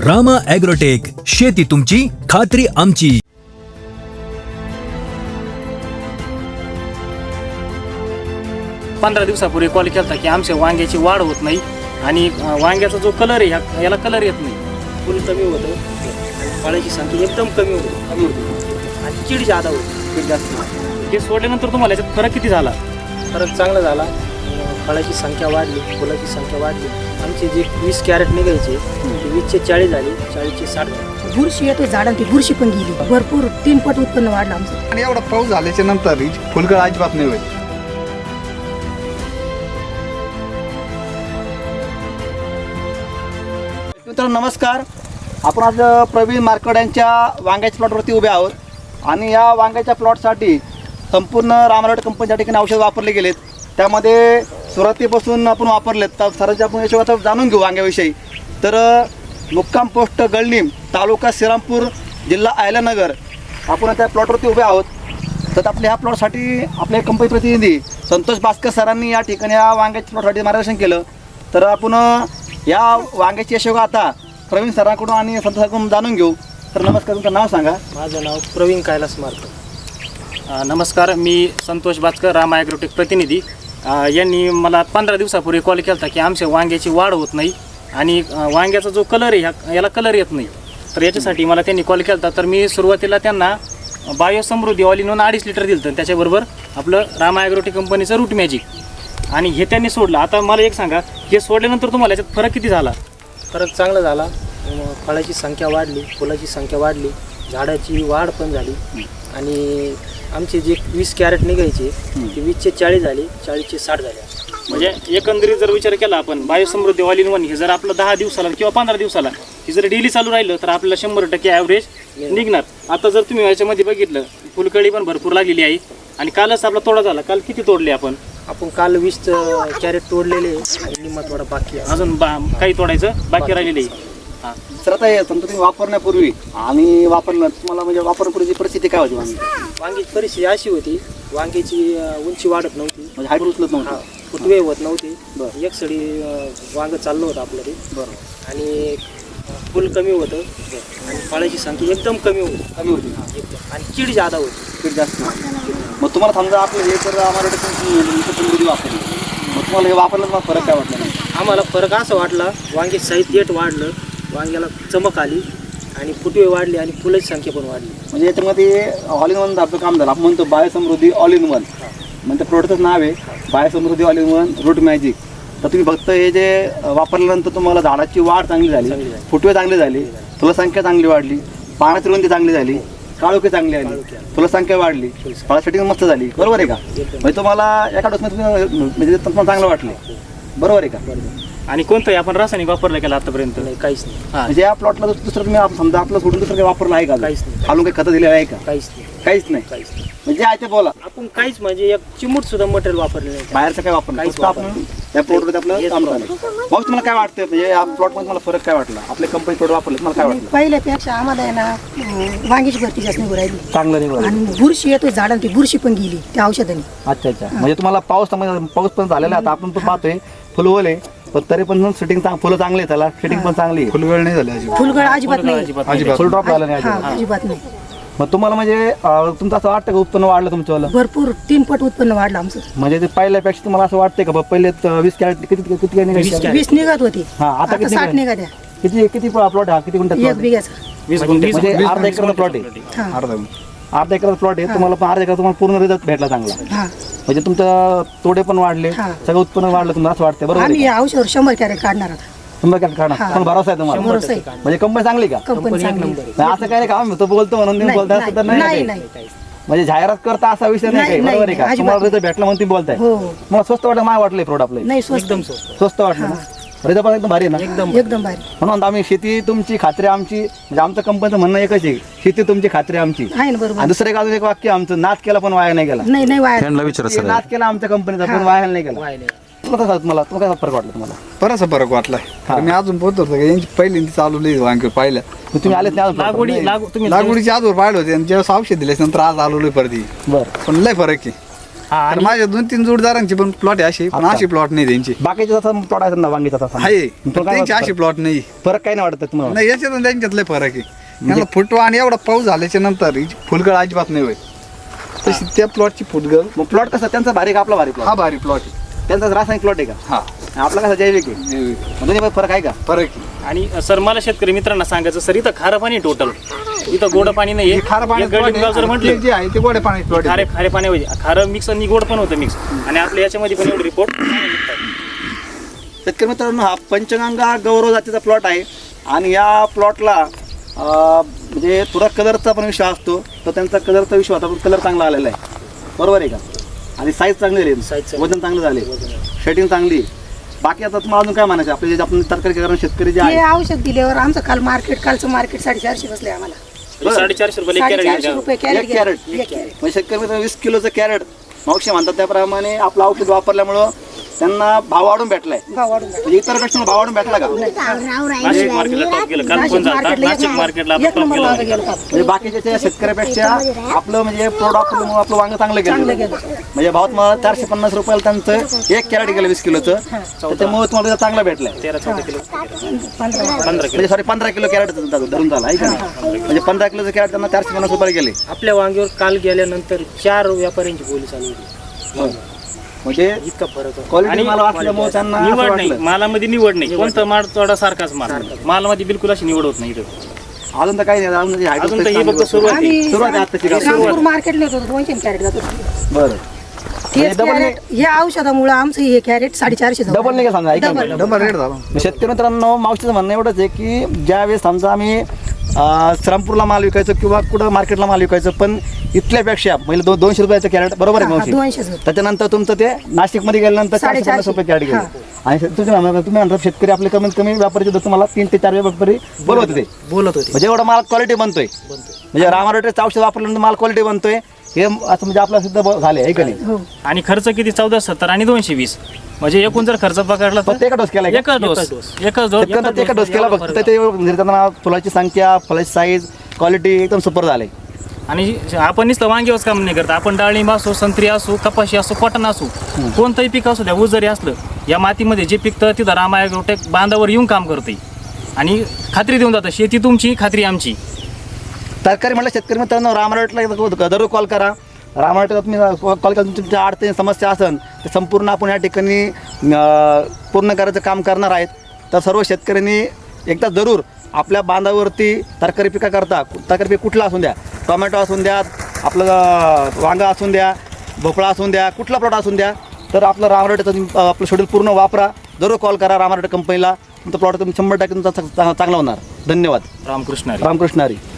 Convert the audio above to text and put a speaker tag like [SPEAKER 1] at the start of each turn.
[SPEAKER 1] Rama agrotech, शेती तुमची, खात्री आमची.
[SPEAKER 2] पंधरा दिवसापूर्वी कॉल केला की आमच्या वांग्याची वाढ होत नाही आणि वांग्याचा जो कलर आहे याला कलर येत नाही, फुल कमी होतं आणि फळाची संख्या एकदम कमी होती आणि कीड जादा होती, कीड जास्त होती. हे सोडल्यानंतर तुम्हाला याच्यात फरक किती झाला? फरक चांगला झाला. फळाची संख्या वाढली, फुलाची संख्या वाढली. आमचे जे 20 कॅरेट निघायचे ते 20चे 40 झाले, 40चे 60 झाले.
[SPEAKER 3] बुरशी येते झाडांची, बुरशी पण गेली. भरपूर 3 पट उत्पन्न वाढलं आमचं.
[SPEAKER 4] आणि एवढा पाऊस झाल्याच्या नंतर फुलगळ अजिबात नाही होईल.
[SPEAKER 5] मित्रांनो नमस्कार. आपण आज प्रवीण मार्कड यांच्या वांग्याच्या प्लॉटवरती उभे आहोत आणि या वांग्याच्या प्लॉटसाठी संपूर्ण रामारोड कंपनीच्या ठिकाणी औषध वापरले गेलेत. त्यामध्ये सुरुवातीपासून आपण वापरलेत तर सरांची आपण याशिवाय आता जाणून घेऊ वांग्याविषयी. तर मुक्काम पोस्ट गळणीम, तालुका श्रीरामपूर, जिल्हा अहिल्यानगर, आपण त्या प्लॉटवरती उभे आहोत. तर आपल्या ह्या प्लॉटसाठी आपले कंपनी प्रतिनिधी संतोष भास्कर सरांनी या ठिकाणी या वांग्याच्या प्लॉटसाठी मार्गदर्शन केलं. तर आपण या वांग्याची यशोगा आता प्रवीण सरांकडून आणि संतोष सरांकडून जाणून घेऊ. तर नमस्कार, तुमचं नाव सांगा.
[SPEAKER 2] माझं नाव प्रवीण कैलास मार्कड. नमस्कार, मी संतोष भास्कर, रामा ॲग्रोटेक प्रतिनिधी. यांनी मला 15 दिवसापूर्वी कॉल केला की आमच्या वांग्याची वाढ होत नाही आणि वांग्याचा जो कलर आहे याला कलर येत नाही. तर याच्यासाठी मला त्यांनी कॉल केला. तर मी सुरुवातीला त्यांना Biosamruddhi all in one 2.5 litre दिलं. तर त्याच्याबरोबर आपलं रामा ॲग्रोटेक कंपनीचं रूट मॅजिक आणि हे त्यांनी सोडलं. आता मला एक सांगा, हे सोडल्यानंतर तुम्हाला याच्यात फरक किती झाला?
[SPEAKER 6] फरक चांगला झाला. फळाची संख्या वाढली, फुलाची संख्या वाढली, झाडाची वाढ पण झाली आणि आमचे जे 20 कॅरेट निघायचे ते 20चे 40 झाले, 40चे 60 झाले.
[SPEAKER 2] म्हणजे एकंदरीत जर विचार केला आपण बायोसमृद्धी ऑल इन वन हे जर आपलं 10 दिवसाला किंवा 15 दिवसाला हे जर डेली चालू राहिलं तर आपल्याला 100% ॲव्हरेज निघणार. आता जर तुम्ही याच्यामध्ये बघितलं, फुलकळी पण भरपूर लागलेली आहे आणि कालच आपला तोडा झाला. काल किती तोडले आपण?
[SPEAKER 6] काल 20 कॅरेट तोडलेले आणि निम्मा थोडा बाकी आहे.
[SPEAKER 2] अजून काही तोडायचं बाकी राहिलेलं आहे.
[SPEAKER 5] सर आता हे समजा तुम्ही वापरण्यापूर्वी आणि वापरलं तुम्हाला म्हणजे वापरण्यापूर्वीची परिस्थिती काय होती?
[SPEAKER 6] वांग्याची परिस्थिती अशी होती, वांग्याची उंची वाढत नव्हती,
[SPEAKER 5] म्हणजे हाईट उचलत नव्हतं,
[SPEAKER 6] फुटवे होत नव्हते. एक सडी वांग चाललं होतं आपलं ते.
[SPEAKER 5] बरोबर.
[SPEAKER 6] आणि फुल कमी होतं आणि फळाची संख्या एकदम कमी होती एकदम आणि कीड जादा होती,
[SPEAKER 5] कीड जास्त नव्हती. मग तुम्हाला समजा आपलं हे तर आम्हाला वापरली, मग तुम्हाला हे वापरलं तुम्हाला फरक काय वाटला?
[SPEAKER 6] आम्हाला फरक असा वाटला, वांगे साईज देठ वाढलं, वांग्याला चमक आली आणि फुटवे वाढले आणि फुलाची संख्या पण वाढली.
[SPEAKER 5] म्हणजे याच्यामध्ये ऑल इन वन आपलं काम झालं. आपण म्हणतो बायोसमृद्धी ऑल इन वन, म्हणजे प्रोडक्टचं नाव आहे Biosamruddhi all in one root magic. तर तुम्ही फक्त हे जे वापरल्यानंतर तुम्हाला झाडाची वाढ चांगली झाली, फुटवे चांगले झाले, फुलसंख्या चांगली वाढली, पानाची रुंदी चांगली झाली, काळोखी चांगली आली, फुलसंख्या वाढली, फळासाठी मस्त झाली. बरोबर आहे का? म्हणजे तुम्हाला एका डोसमध्ये म्हणजे तुम्हाला चांगलं वाटलं. बरोबर आहे का?
[SPEAKER 2] आणि कोणतंही आपण रासायनिक वापरलं केलं आतापर्यंत?
[SPEAKER 6] नाही, काहीच नाही.
[SPEAKER 5] म्हणजे या प्लॉटला दुसरं तुम्ही समजा आपलं सोडून दुसरं काही वापरलं आहे का?
[SPEAKER 6] काहीच नाही.
[SPEAKER 5] खालून काही खतं दिलेलं आहे का?
[SPEAKER 6] काहीच नाही.
[SPEAKER 5] काहीच नाही.
[SPEAKER 6] काहीच नाही.
[SPEAKER 5] म्हणजे आहे ते बोला,
[SPEAKER 6] आपण काहीच म्हणजे एक चिमूट सुद्धा मटेरियल वापरले नाही.
[SPEAKER 5] बाहेरचं काय वापरलं?
[SPEAKER 6] काहीच
[SPEAKER 5] फक्त आपण त्या प्लॉटमध्ये आपलं काम झालं. मग तुम्हाला काय वाटतं म्हणजे या प्लॉटमध्ये मला फरक काय वाटला? आपले कंपनी प्लॉट वापरले तुम्हाला काय वाटलं?
[SPEAKER 3] पहिल्यापेक्षा आम्हाला आहे ना वांग्याची भरती जास्त निघू राहिली
[SPEAKER 5] चांगलं नाही.
[SPEAKER 3] आणि बुरशी येते झाडांची, बुरशी पण गेली त्या औषधाने.
[SPEAKER 5] अच्छा अच्छा. म्हणजे तुम्हाला पाऊस पण झालेला आहे. आता आपण पण पाहतोय फुल ओले, पण तरी पण सेटिंग फुलं चांगली आहे, त्याला सेटिंग पण चांगली आहे.
[SPEAKER 4] फुलगळ नाही झाली अजिबात.
[SPEAKER 3] फुलगळ अजिबात नाही,
[SPEAKER 4] अजिबात
[SPEAKER 5] फुल ड्रॉप झाला नाही
[SPEAKER 3] हा
[SPEAKER 5] अजिबात.
[SPEAKER 3] अजिबात नाही.
[SPEAKER 5] मग तुम्हाला म्हणजे तुमचं असं वाटतं का उत्पन्न वाढलं तुमचं?
[SPEAKER 3] भरपूर 3 पट उत्पन्न वाढलं आमचं.
[SPEAKER 5] म्हणजे ते पहिल्यापेक्षा तुम्हाला असं वाटतंय का पहिले 20 कॅरेट किती किती काय निघायचे?
[SPEAKER 3] 20 निघत होती,
[SPEAKER 5] हा, आता किती
[SPEAKER 3] 60 निघत्या.
[SPEAKER 5] किती प्लॉट हा? किती गुंठ्यात plot
[SPEAKER 3] 1
[SPEAKER 5] आहे?
[SPEAKER 3] बिघ्याचा.
[SPEAKER 2] 20 गुंठे.
[SPEAKER 5] म्हणजे अर्धा एकरचा प्लॉट आहे.
[SPEAKER 3] हा
[SPEAKER 5] अर्धा एकरचा प्लॉट आहे तुम्हाला, पण अर्धा एकर तुम्हाला पूर्ण रिझल्ट भेटला चांगला.
[SPEAKER 3] हा.
[SPEAKER 5] म्हणजे तुमचं तोडे पण वाढले,
[SPEAKER 3] हा.
[SPEAKER 5] सगळं उत्पन्न वाढलं तुम्हाला असं वाटतं? बरोबर
[SPEAKER 3] आम्ही
[SPEAKER 5] आहे
[SPEAKER 3] या औषधावर 100 कॅरेट काढणार आता.
[SPEAKER 5] तुम्हाला काय काढणार?
[SPEAKER 3] हा.
[SPEAKER 5] पण भरोसा आहे तुम्हाला?
[SPEAKER 3] भरोसा आहे.
[SPEAKER 5] म्हणजे कंपनी चांगली का?
[SPEAKER 3] कंपनी चांगली.
[SPEAKER 5] नाही, असं काय नाही का आम्ही तो बोलतो म्हणून तुम्ही
[SPEAKER 3] नाही,
[SPEAKER 5] बोलताय असं तर
[SPEAKER 3] नाही,
[SPEAKER 5] नाही
[SPEAKER 3] नाही,
[SPEAKER 5] ना काही? म्हणजे जाहिरात करता असा विषय नाही
[SPEAKER 3] नाही,
[SPEAKER 5] काही. बरोबर आहे
[SPEAKER 3] नाही,
[SPEAKER 5] का?
[SPEAKER 3] अजिबात
[SPEAKER 5] तुम्हाला रिझल्ट भेटला म्हणून तुम्ही बोलताय.
[SPEAKER 3] हो.
[SPEAKER 5] मला स्वस्त वाटलं, मला वाटलं प्रोडक्ट आपलं
[SPEAKER 3] नाही, स्वस्त
[SPEAKER 5] स्वस्त वाटलं ना? रिझल्ट पण एकदम भारी आहे ना?
[SPEAKER 3] एकदम भारी
[SPEAKER 5] म्हणून आम्ही शेती तुमची खात्री आमची, म्हणजे आमचं कंपनीचं म्हणणं एकच आहे, शेती तुमची खात्री आमची.
[SPEAKER 3] आहे ना. बरोबर.
[SPEAKER 5] आणि दुसरं एक अजून एक वाक्य आमचं, नाच केला पण वाया नाही गेला.
[SPEAKER 3] नाही वाया.
[SPEAKER 5] नाच केला आमच्या कंपनीचा पण वाया नाही गेला. तुम्हाला काय फरक वाटला तुम्हाला?
[SPEAKER 4] बराचसा फरक वाटलाय. मी अजून पोहोचतो होतो यांची पहिल्यांदा चालवली वांगे पाहिलं.
[SPEAKER 5] मग तुम्ही आलेच नाही अजून?
[SPEAKER 2] तुम्ही
[SPEAKER 4] लागवडीची आजवर पाहिलं होते आणि जेव्हा औषध दिल्याच्या नंतर आज आलो परत.
[SPEAKER 5] बरं.
[SPEAKER 4] पण लय फरक आहे.
[SPEAKER 2] हा,
[SPEAKER 4] तर
[SPEAKER 2] आणि-
[SPEAKER 4] माझ्या 2-3 जोडदारांची पण प्लॉट आहे अशी, पण
[SPEAKER 5] अच्छा.
[SPEAKER 4] अशी प्लॉट नाही त्यांची
[SPEAKER 5] बाकीचे जसं प्लॉट आहे ना वांगीचा तसा
[SPEAKER 4] आहे,
[SPEAKER 5] मग
[SPEAKER 4] पण
[SPEAKER 5] काय
[SPEAKER 4] त्यांची
[SPEAKER 5] वाटतं?
[SPEAKER 4] अशी प्लॉट नाही.
[SPEAKER 5] फरक काही नाही वाटत तुम्हाला?
[SPEAKER 4] नाही, याच्यात आणि त्यांच्यात लय फरक आहे. याला फुटवा आणि एवढा पाऊस झाल्याच्या नंतर हिची फुलगळ अजिबात नाही होय. तशी त्या प्लॉटची फुटगळ
[SPEAKER 5] मग प्लॉट कसं त्यांचा भारी का आपला भारी प्लॉट?
[SPEAKER 4] हा भारी प्लॉट आहे.
[SPEAKER 5] त्यांचा रासायनिक प्लॉट आहे का?
[SPEAKER 4] हा
[SPEAKER 5] आपला कसा जैविक आहे? मग दोन्ही फरक आहे का?
[SPEAKER 4] फरक आहे.
[SPEAKER 2] आणि सर मला शेतकरी मित्रांना सांगायचं सर इथं खारं पाणी टोटल, इथं गोड पाणी नाही
[SPEAKER 4] हे खारं पाणी
[SPEAKER 2] जर
[SPEAKER 4] प्लॉट
[SPEAKER 2] म्हटलं
[SPEAKER 4] जे आहे ते गोड्या पाण्याचे प्लॉट
[SPEAKER 2] खारे
[SPEAKER 4] आहे.
[SPEAKER 2] खारे पाण्यामध्ये खारं मिक्स आणि गोड पण होतं मिक्स, आणि आपल्या याच्यामध्ये पण एवढे रिपोर्ट
[SPEAKER 5] शेतकरी मित्रांनो, हा पंचगंगा गौरव जातीचा प्लॉट आहे आणि या प्लॉटला म्हणजे थोडा कलरचा पण विषय असतो, तर त्यांचा कलरचा विषय होता, पण कलर चांगला आलेला आहे. बरोबर आहे का? आणि साईज चांगली
[SPEAKER 6] Size
[SPEAKER 5] आहे,
[SPEAKER 6] चांगली.
[SPEAKER 5] वजन चांगलं झाले, शेटिंग चांगली. बाकी आता तुम्हाला अजून काय म्हणायचं? आपले जे आपण तरकारी कारण शेतकरी जे
[SPEAKER 3] हे
[SPEAKER 5] आहे
[SPEAKER 3] औषध दिल्यावर आमचं कालचं मार्केट 450 बसले आम्हाला.
[SPEAKER 2] 450 रुपये
[SPEAKER 3] 450 रुपये कॅरेट
[SPEAKER 5] एक कॅरेट.
[SPEAKER 3] गेलं. एक कॅरेट.
[SPEAKER 5] म्हणजे शेतकरी मित्रांनो 20 किलोचं कॅरेट मावशी म्हणतात त्याप्रमाणे आपलं औषध वापरल्यामुळं त्यांना भाव वाढून भेटलाय.
[SPEAKER 3] भाव वाढून जातो.
[SPEAKER 5] म्हणजे इतर पेक्षा भाव वाढून भेटला का?
[SPEAKER 2] नाशिक मार्केटला टॉप गेलं, काल
[SPEAKER 3] नाशिक
[SPEAKER 2] पण झाला
[SPEAKER 3] मार्केटला
[SPEAKER 2] नाशिक मार्केटला आपण
[SPEAKER 3] एक
[SPEAKER 2] टॉप
[SPEAKER 3] नंबर
[SPEAKER 2] गेला.
[SPEAKER 3] वांगं गेलं काल.
[SPEAKER 5] म्हणजे बाकीच्या त्या शेतकऱ्यापेक्षा आपलं म्हणजे प्रोडक्ट आपलं वांग चांगलं
[SPEAKER 3] चांगलं
[SPEAKER 5] गेलं.
[SPEAKER 3] गेलं.
[SPEAKER 5] म्हणजे भावात मला 450 रुपयाला त्यांचं एक कॅरेट गेलं 20 किलोचं, त्याच्यामुळे तुम्हाला चांगला भेटलाय.
[SPEAKER 2] 13-14 किलो
[SPEAKER 3] 15
[SPEAKER 2] 15 किलो
[SPEAKER 5] म्हणजे सॉरी 15 किलो कॅरेट धरून झाला आहे का नाही? म्हणजे 15 किलोचं कॅरेट त्यांना 450 रुपयाला गेले.
[SPEAKER 6] आपल्या वांग्यावर काल गेल्यानंतर 4 व्यापाऱ्यांची बोली चालू होती.
[SPEAKER 5] म्हणजे
[SPEAKER 6] इतका फरक आहे.
[SPEAKER 5] क्वालिटी
[SPEAKER 6] आणि
[SPEAKER 5] मला वाटल्यामुळे त्यांना असं
[SPEAKER 2] निवड नाही,
[SPEAKER 5] वाटलं.
[SPEAKER 2] मालामध्ये निवड नाही, कोणतं माल थोडा सारखाच माल, मालामध्ये बिलकुल अशी निवड होत नाही इथं.
[SPEAKER 5] अजून तर काही नाही, अजून म्हणजे
[SPEAKER 2] अजून तर ही फक्त सुरुवात आहे.
[SPEAKER 3] आणि
[SPEAKER 5] सुरुवात आहे आत्ताची का?
[SPEAKER 3] रामपूर मार्केटला येतो 200 कॅरेट जातो.
[SPEAKER 5] बरं
[SPEAKER 3] तेच कॅरेट या औषधामुळे आमचं हे कॅरेट 450 झालं.
[SPEAKER 5] डबल नाही का समजा? ऐका ना.
[SPEAKER 3] डबल.
[SPEAKER 4] डबल रेट झाला.
[SPEAKER 5] शेतकरी मित्रांनो, मावशीचं म्हणणं एवढंच आहे की ज्यावेळेस समजा आम्ही श्रामपूरला माल विकायचं किंवा कुठं मार्केटला माल विकायचं, पण इथल्यापेक्षा म्हणजे 200 रुपयाचं कॅरेट बरोबर आहे
[SPEAKER 3] हा,
[SPEAKER 5] मावशी?
[SPEAKER 3] 200 होतं.
[SPEAKER 5] त्याच्यानंतर तुमचं ते नाशिकमध्ये गेल्यानंतर 450 रुपये कॅरेट गेले. आणि तुम्ही म्हणता शेतकरी आपले कमीत कमी व्यापारी देतो तुम्हाला 3 ते 4 व्यापारी बोलवते ते,
[SPEAKER 6] बोलत होते.
[SPEAKER 5] म्हणजे एवढा माल क्वालिटी बनतोय. म्हणजे रामारोटेचं औषध वापरल्यानंतर माल क्वालिटी बनतोय हे असं म्हणजे आपलं सिद्ध झाले आहे का नाही?
[SPEAKER 3] हो.
[SPEAKER 2] आणि खर्च किती 1470 आणि 220, म्हणजे एकूण जर खर्च पकडला
[SPEAKER 5] फक्त एका डोस केला
[SPEAKER 2] एकच डोस
[SPEAKER 5] शेतकऱ्यांना एका डोस केला फक्त ते त्यांना फुलाची संख्या, फुलाची साईज, क्वालिटी एकदम सुपर झाले.
[SPEAKER 2] आणि आपण नुसतं वांग्यावरच काम नाही करत, आपण डाळिंब असो, संत्री असो, कपाशी असो, कॉटन असो, कोणतंही पीक असो द्या, ऊस जरी असलं, या मातीमध्ये जे पिकतं तिथं रामा ॲग्रोटेक बांधावर येऊन काम करते आणि खात्री देऊन जातं, शेती तुमची खात्री आमची.
[SPEAKER 5] तरकारी म्हटलं शेतकरी मित्रांनो, रामराटला दररोज कॉल करा. रामराटला तुम्ही कॉल करा, तुमच्या अडचणी समस्या असेल तर संपूर्ण आपण या ठिकाणी पूर्ण करायचं काम करणार आहेत. तर सर्व शेतकऱ्यांनी एकदा जरूर आपल्या बांधावरती तरकारी पिका करता, तरकारी पीक कुठला असून द्या, टोमॅटो असून द्या, आपलं वांगा असून द्या, भोपळा असून द्या, कुठला प्लॉट असून द्या, तर आपलं रामराटेचं आपलं शेड्यूल पूर्ण वापरा. जरूर कॉल करा रामराटे कंपनीला, तुमचा प्लॉट तुम्ही 100% तुमचा चांगला होणार. धन्यवाद.
[SPEAKER 2] रामकृष्ण हरी.
[SPEAKER 5] रामकृष्ण हरी.